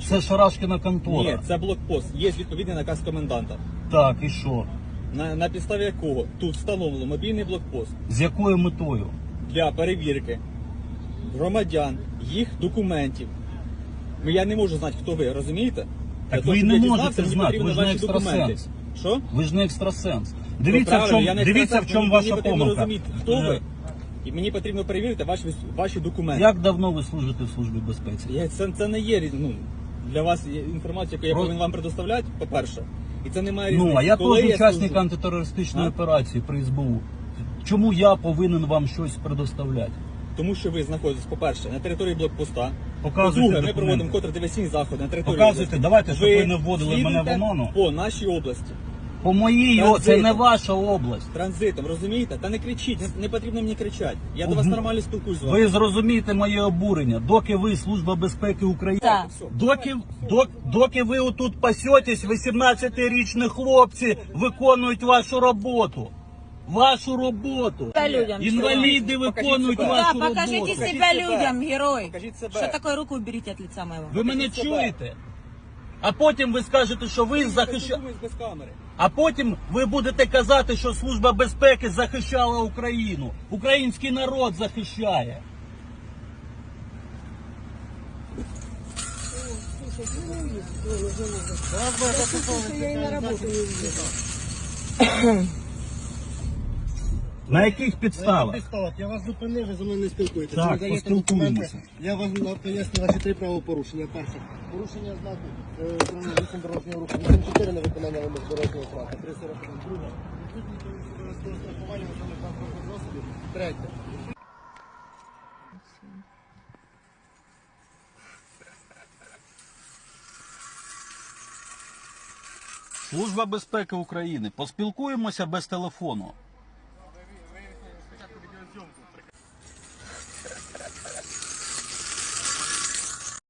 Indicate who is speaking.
Speaker 1: закінчую.
Speaker 2: Це Шарашкіна контора.
Speaker 1: Ні, це блокпост. Є відповідний наказ коменданта.
Speaker 2: Так, і що?
Speaker 1: На підставі якого тут встановлено мобільний блокпост
Speaker 2: З якою метою?
Speaker 1: для перевірки громадян, їх документів. Я не можу знати, хто ви, розумієте?
Speaker 2: Так
Speaker 1: Для того,
Speaker 2: ви
Speaker 1: щоб
Speaker 2: не
Speaker 1: я
Speaker 2: можете
Speaker 1: дізнався, мені
Speaker 2: знати,
Speaker 1: потрібно
Speaker 2: ви ж не
Speaker 1: ваші документи.
Speaker 2: екстрасенс.
Speaker 1: Що?
Speaker 2: Ви ж не екстрасенс.
Speaker 1: Ну,
Speaker 2: Дивіться,
Speaker 1: правильно, я не
Speaker 2: дивіться, в
Speaker 1: екстрасенс,
Speaker 2: чому
Speaker 1: мені
Speaker 2: ваша
Speaker 1: потрібно
Speaker 2: помилка.
Speaker 1: розуміти, хто ви. І мені потрібно перевірити ваші документи.
Speaker 2: Як давно ви служите в Службі безпеки?
Speaker 1: Це не є для вас інформація, яку я
Speaker 2: Про-
Speaker 1: повинен вам предоставляти, по-перше. І це не має різниці.
Speaker 2: Ну, а я
Speaker 1: Коли
Speaker 2: теж учасник
Speaker 1: служу.
Speaker 2: антитерористичної
Speaker 1: А?
Speaker 2: операції при СБУ. Чому я повинен вам щось предоставляти?
Speaker 1: Тому що ви знаходитесь, по-перше, на території блокпоста.
Speaker 2: Показуйте
Speaker 1: По-друге, ми
Speaker 2: документи.
Speaker 1: проводимо контрдиверсійні заходи на території
Speaker 2: Показуйте,
Speaker 1: області.
Speaker 2: давайте, щоб ви не вводили мене в
Speaker 1: слідуєте
Speaker 2: оману.
Speaker 1: по нашій області.
Speaker 2: По моїй, це
Speaker 1: Транзитом.
Speaker 2: не ваша область.
Speaker 1: Транзитом, розумієте? Та не кричіть, не потрібно мені кричати. Я до вас нормально спілкуюсь з вами.
Speaker 2: Ви зрозумієте моє обурення. Доки ви Служба безпеки України,
Speaker 3: Так.
Speaker 2: доки ви отут пасетесь, 18-річні хлопці виконують вашу роботу. Вашу роботу.
Speaker 3: Себя людям.
Speaker 2: Інваліди
Speaker 1: Покажіть
Speaker 2: виконують
Speaker 1: себе.
Speaker 2: вашу
Speaker 3: Да, покажите
Speaker 2: роботу.
Speaker 1: Покажите
Speaker 3: себя
Speaker 1: себя.
Speaker 3: людям, герой.
Speaker 1: Покажите себя.
Speaker 3: Что такое, руку уберите от лица моего.
Speaker 2: Ви мене
Speaker 1: Покажіть себе.
Speaker 2: чуєте? А потім ви скажете, що ви захищаєте.
Speaker 1: Спілкуємось без камери.
Speaker 2: А потім ви будете казати, що Служба безпеки захищала Україну. Український народ захищає. На яких підставах?
Speaker 4: Я вас зупинив, ви зі мною не спілкуєтеся.
Speaker 2: Так,
Speaker 4: Ви даєте
Speaker 2: поспілкуємося.
Speaker 4: документи. Я вам поясню ваші 3 правопорушення. Перше. Порушення знаку правил 8 дорожнього руху. 8.4 на виконання вимог дорожнього знаку. 3.41. Друге. Відсутність обов'язкового страхування основних транспортних засобів. Третє.
Speaker 2: Служба безпеки України. Поспілкуємося без телефону.